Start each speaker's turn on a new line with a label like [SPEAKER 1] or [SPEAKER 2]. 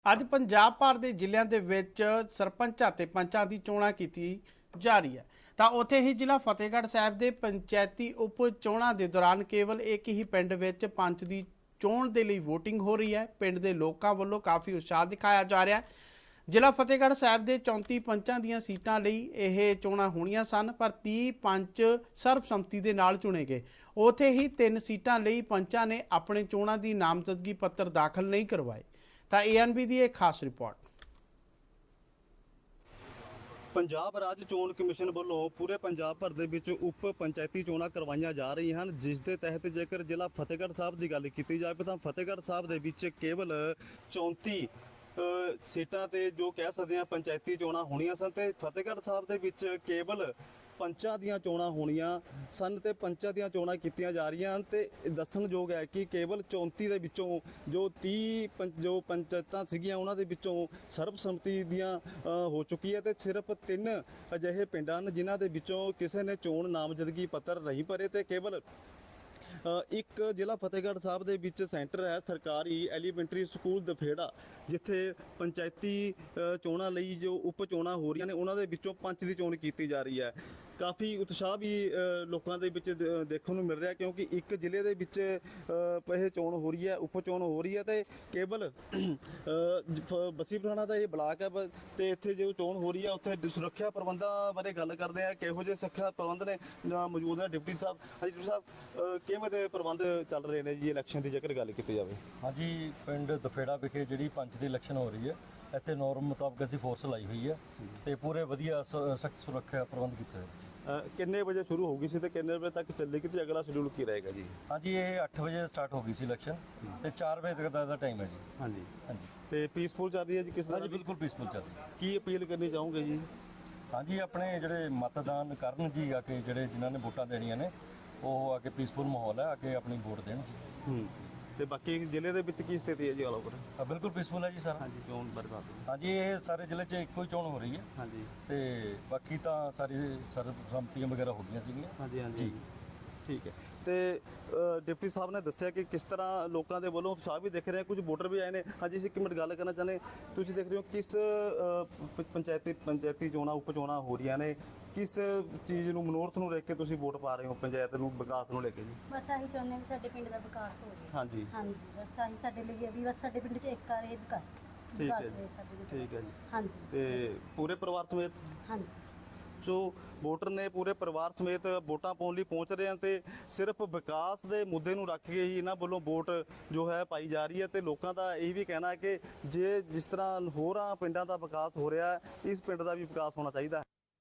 [SPEAKER 1] ਅੱਜ ਪੰਜਾਬ ਭਰ ਦੇ ਜ਼ਿਲ੍ਹਿਆਂ ਦੇ ਵਿੱਚ ਸਰਪੰਚਾਂ ਤੇ ਪੰਚਾਂ ਦੀ ਚੋਣਾਂ ਕੀਤੀ ਜਾ ਰਹੀ ਹੈ। ਤਾਂ ਉੱਥੇ ਹੀ ਜ਼ਿਲ੍ਹਾ ਫਤਿਹਗੜ੍ਹ ਸਾਹਿਬ ਦੇ ਪੰਚਾਇਤੀ ਉਪ ਚੋਣਾਂ ਦੇ ਦੌਰਾਨ ਕੇਵਲ ਇੱਕ ਹੀ ਪਿੰਡ ਵਿੱਚ ਪੰਚ ਦੀ ਚੋਣ ਦੇ ਲਈ VOTING ਹੋ ਰਹੀ ਹੈ। ਪਿੰਡ ਦੇ ਲੋਕਾਂ ਵੱਲੋਂ ਕਾਫੀ ਉਤਸ਼ਾਹ ਦਿਖਾਇਆ ਜਾ ਰਿਹਾ ਹੈ। ਜ਼ਿਲ੍ਹਾ ਫਤਿਹਗੜ੍ਹ ਸਾਹਿਬ ਦੇ 34 ਪੰਚਾਂ ਦੀਆਂ ਸੀਟਾਂ ਲਈ ਇਹ ਚੋਣਾਂ ਹੋਣੀਆਂ ਸਨ, ਪਰ 30 ਪੰਚ ਸਰਬਸੰਮਤੀ ਦੇ ਨਾਲ ਚੁਣੇ ਗਏ। ਉੱਥੇ ਹੀ 3 ਸੀਟਾਂ ਲਈ ਪੰਚਾਂ ਨੇ ਆਪਣੇ ਚੋਣਾਂ ਦੀ ਨਾਮਜ਼ਦਗੀ ਪੱਤਰ ਦਾਖਲ ਨਹੀਂ ਕਰਵਾਏ। ਤਾਂ ANB ਦੀ ਇੱਕ ਖਾਸ ਰਿਪੋਰਟ।
[SPEAKER 2] ਪੰਜਾਬ ਰਾਜ ਚੋਣ ਕਮਿਸ਼ਨ ਵੱਲੋਂ ਪੂਰੇ ਪੰਜਾਬ ਭਰ ਦੇ ਵਿੱਚ ਉਪ ਪੰਚਾਇਤੀ ਚੋਣਾਂ ਕਰਵਾਈਆਂ ਜਾ ਰਹੀਆਂ ਹਨ, ਜਿਸ ਦੇ ਤਹਿਤ ਜੇਕਰ ਜ਼ਿਲ੍ਹਾ ਫਤਿਹਗੜ੍ਹ ਸਾਹਿਬ ਦੀ ਗੱਲ ਕੀਤੀ ਜਾਵੇ ਤਾਂ ਫਤਿਹਗੜ੍ਹ ਸਾਹਿਬ ਦੇ ਵਿੱਚ ਕੇਵਲ 34 ਸੀਟਾਂ ਤੇ ਜੋ ਕਹਿ ਸਕਦੇ ਹਾਂ ਪੰਚਾਇਤੀ ਚੋਣਾਂ ਹੋਣੀਆਂ ਸਨ ਤੇ ਫਤਿਹਗੜ੍ਹ ਸਾਹਿਬ ਦੇ ਵਿੱਚ ਕੇਵਲ ਪੰਚਾਂ ਦੀਆਂ ਚੋਣਾਂ ਹੋਣੀਆਂ ਸਨ ਤੇ ਪੰਚਾਂ ਦੀਆਂ ਚੋਣਾਂ ਕੀਤੀਆਂ ਜਾ ਰਹੀਆਂ ਹਨ। ਤੇ ਦੱਸਣਯੋਗ ਹੈ ਕਿ ਕੇਵਲ 34 ਦੇ ਵਿੱਚੋਂ ਜੋ 30 ਜੋ ਪੰਚਾਇਤਾਂ ਸੀਗੀਆਂ ਉਹਨਾਂ ਦੇ ਵਿੱਚੋਂ ਸਰਬਸੰਮਤੀ ਦੀਆਂ ਹੋ ਚੁੱਕੀ ਹੈ ਤੇ ਸਿਰਫ 3 ਅਜਿਹੇ ਪਿੰਡ ਹਨ ਜਿਨ੍ਹਾਂ ਦੇ ਵਿੱਚੋਂ ਕਿਸੇ ਨੇ ਚੋਣ ਨਾਮਜ਼ਦਗੀ ਪੱਤਰ ਨਹੀਂ ਭਰੇ ਤੇ ਕੇਵਲ ਇੱਕ ਜ਼ਿਲ੍ਹਾ ਫਤਿਹਗੜ੍ਹ ਸਾਹਿਬ ਦੇ ਵਿੱਚ ਸੈਂਟਰ ਹੈ ਸਰਕਾਰੀ ਐਲੀਮੈਂਟਰੀ ਸਕੂਲ ਦਫੇੜਾ, ਜਿੱਥੇ ਪੰਚਾਇਤੀ ਚੋਣਾਂ ਲਈ ਜੋ ਉਪ ਚੋਣਾਂ ਹੋ ਰਹੀਆਂ ਨੇ ਉਹਨਾਂ ਦੇ ਵਿੱਚੋਂ ਪੰਚ ਦੀ ਚੋਣ ਕੀਤੀ ਜਾ ਰਹੀ ਹੈ। ਕਾਫੀ ਉਤਸ਼ਾਹ ਵੀ ਲੋਕਾਂ ਦੇ ਵਿੱਚ ਦੇਖਣ ਨੂੰ ਮਿਲ ਰਿਹਾ, ਕਿਉਂਕਿ ਇੱਕ ਜ਼ਿਲ੍ਹੇ ਦੇ ਵਿੱਚ ਇਹ ਚੋਣ ਹੋ ਰਹੀ ਹੈ, ਉਪ ਚੋਣ ਹੋ ਰਹੀ ਹੈ ਤੇ ਕੇਵਲ ਬਸੀ ਪਠਾਣਾ ਦਾ ਇਹ ਬਲਾਕ ਹੈ ਤੇ ਇੱਥੇ ਜੋ ਚੋਣ ਹੋ ਰਹੀ ਹੈ ਉੱਥੇ ਸੁਰੱਖਿਆ ਪ੍ਰਬੰਧਾਂ ਬਾਰੇ ਗੱਲ ਕਰਦੇ ਆ। ਕਿਹੋ ਜਿਹੇ ਸੁਰੱਖਿਆ ਪ੍ਰਬੰਧ ਨੇ ਮੌਜੂਦ ਨੇ ਡਿਪਟੀ ਸਾਹਿਬ। ਹਾਂਜੀ ਡਿਪਟੀ ਸਾਹਿਬ, ਕਿਵੇਂ ਦੇ ਪ੍ਰਬੰਧ ਚੱਲ ਰਹੇ ਨੇ ਜੀ ਇਲੈਕਸ਼ਨ ਦੀ ਜੇਕਰ ਗੱਲ ਕੀਤੀ ਜਾਵੇ?
[SPEAKER 3] ਹਾਂਜੀ, ਪਿੰਡ ਦਫੇੜਾ ਵਿਖੇ ਜਿਹੜੀ ਪੰਚ ਦੀ ਇਲੈਕਸ਼ਨ ਹੋ ਰਹੀ ਹੈ, ਇੱਥੇ ਨੋਰਮ ਮੁਤਾਬਕ ਅਸੀਂ ਫੋਰਸ ਲਾਈ ਹੋਈ ਹੈ ਤੇ ਪੂਰੇ ਵਧੀਆ ਸਖਤ ਸੁਰੱਖਿਆ ਪ੍ਰਬੰਧ ਕੀਤੇ ਹੋਏ।
[SPEAKER 2] ਕਿੰਨੇ ਵਜੇ ਸ਼ੁਰੂ ਹੋ ਗਈ ਸੀ ਤੇ ਕਿੰਨੇ ਵਜੇ ਤੱਕ ਚੱਲੇਗੀ ਤੇ ਅਗਲਾ ਸ਼ਡਿਊਲ ਕੀ ਰਹੇਗਾ ਜੀ?
[SPEAKER 3] ਹਾਂਜੀ, ਇਹ 8 ਵਜੇ ਸਟਾਰਟ ਹੋ ਗਈ ਸੀ ਇਲੈਕਸ਼ਨ ਤੇ 4 ਵਜੇ ਤੱਕ ਦਾ ਟਾਈਮ ਹੈ ਜੀ।
[SPEAKER 2] ਹਾਂਜੀ
[SPEAKER 3] ਹਾਂਜੀ
[SPEAKER 2] ਤੇ ਪੀਸਫੁਲ ਚੱਲ ਰਹੀ ਹੈ ਜੀ? ਕਿਸ ਤਰ੍ਹਾਂ?
[SPEAKER 3] ਹਾਂਜੀ, ਬਿਲਕੁਲ ਪੀਸਫੁਲ ਚੱਲ ਰਹੀ ਹੈ।
[SPEAKER 2] ਕੀ ਅਪੀਲ ਕਰਨੀ ਚਾਹੋਗੇ ਜੀ?
[SPEAKER 3] ਹਾਂਜੀ, ਆਪਣੇ ਜਿਹੜੇ ਮਤਦਾਨ ਕਰਨ ਜੀ, ਆ ਕੇ ਜਿਹੜੇ ਜਿਨ੍ਹਾਂ ਨੇ ਵੋਟਾਂ ਦੇਣੀਆਂ ਨੇ ਉਹ ਆ ਕੇ ਪੀਸਫੁਲ ਮਾਹੌਲ ਹੈ, ਆ ਕੇ ਆਪਣੀ ਵੋਟ ਦੇਣ ਜੀ।
[SPEAKER 2] ਤੇ ਬਾਕੀ ਜ਼ਿਲ੍ਹੇ ਦੇ ਵਿੱਚ ਕੀ ਸਥਿਤੀ ਹੈ ਜੀ ਆਲ ਓਵਰ?
[SPEAKER 3] ਬਿਲਕੁਲ ਪੀਸਫੁਲ ਹੈ ਜੀ ਸਰ।
[SPEAKER 2] ਹਾਂਜੀ, ਚੋਣ ਬਰਬਾਦ।
[SPEAKER 3] ਹਾਂਜੀ, ਇਹ ਸਾਰੇ ਜ਼ਿਲ੍ਹੇ 'ਚ ਇੱਕੋ ਹੀ ਚੋਣ ਹੋ ਰਹੀ ਹੈ।
[SPEAKER 2] ਹਾਂਜੀ
[SPEAKER 3] ਤੇ ਬਾਕੀ ਤਾਂ ਸਾਰੀ ਸਰਬਸੰਮਤੀਆਂ ਵਗੈਰਾ ਹੋ ਗਈਆਂ ਸੀਗੀਆਂ।
[SPEAKER 2] ਹਾਂਜੀ ਹਾਂਜੀ, ਠੀਕ ਹੈ। ਤੇ ਡਿਪਟੀ ਸਾਹਿਬ ਨੇ ਦੱਸਿਆ ਕਿ ਕਿਸ ਤਰ੍ਹਾਂ ਲੋਕਾਂ ਦੇ ਵੱਲੋਂ ਉਤਸ਼ਾਹ ਵੀ ਦਿਖ ਰਿਹਾ, ਕੁਝ ਵੋਟਰ ਵੀ ਆਏ ਨੇ। ਹਾਂਜੀ, ਅਸੀਂ ਇੱਕ ਮਿੰਟ ਗੱਲ ਕਰਨਾ ਚਾਹੁੰਦੇ, ਤੁਸੀਂ ਦੇਖ ਰਹੇ ਹੋ ਕਿਸ ਪੰਚਾਇਤੀ ਚੋਣਾਂ ਉਪ ਚੋਣਾਂ ਹੋ ਰਹੀਆਂ ਨੇ, ਕਿਸ ਚੀਜ਼ ਨੂੰ ਮਨੋਰਥ ਨੂੰ ਲੈ ਕੇ ਤੁਸੀਂ ਵੋਟ ਪਾ ਰਹੇ ਹੋ ਪੰਚਾਇਤ ਨੂੰ ਵਿਕਾਸ ਨੂੰ ਲੈ ਕੇ ਜੀ?
[SPEAKER 4] ਬਸ ਆਹੀ ਚਾਹੁੰਦੇ ਹਾਂ ਵੀ ਸਾਡੇ ਪਿੰਡ ਦਾ ਵਿਕਾਸ ਹੋ ਜਾਵੇ।
[SPEAKER 2] ਹਾਂਜੀ
[SPEAKER 4] ਹਾਂਜੀ, ਬਸ ਆਹੀ ਸਾਡੇ ਲਈ ਹੈ ਵੀ ਬਸ ਸਾਡੇ ਪਿੰਡ 'ਚ ਇੱਕ ਆ ਰਹੇ ਵਿਕਾਸ ਹੋਵੇ ਸਾਡੇ ਪਿੰਡ।
[SPEAKER 2] ਠੀਕ ਹੈ ਜੀ।
[SPEAKER 4] ਹਾਂਜੀ
[SPEAKER 2] ਤੇ ਪੂਰੇ ਪਰਿਵਾਰ ਸਮੇਤ?
[SPEAKER 4] ਹਾਂਜੀ।
[SPEAKER 2] ਸੋ ਵੋਟਰ ਨੇ ਪੂਰੇ ਪਰਿਵਾਰ ਸਮੇਤ ਵੋਟਾਂ ਪਾਉਣ ਲਈ ਪਹੁੰਚ ਰਹੇ ਹਨ ਤੇ ਸਿਰਫ ਵਿਕਾਸ ਦੇ ਮੁੱਦੇ ਨੂੰ ਰੱਖ ਕੇ ਹੀ ਇਹਨਾਂ ਵੱਲੋਂ ਵੋਟ ਜੋ ਹੈ ਪਾਈ ਜਾ ਰਹੀ ਹੈ। ਤੇ ਲੋਕਾਂ ਦਾ ਇਹ ਵੀ ਕਹਿਣਾ ਹੈ ਕਿ ਜੇ ਜਿਸ ਤਰ੍ਹਾਂ ਹੋਰਾਂ ਪਿੰਡਾਂ ਦਾ ਵਿਕਾਸ ਹੋ ਰਿਹਾ ਹੈ, ਇਸ ਪਿੰਡ ਦਾ ਵੀ ਵਿਕਾਸ ਹੋਣਾ ਚਾਹੀਦਾ ਹੈ।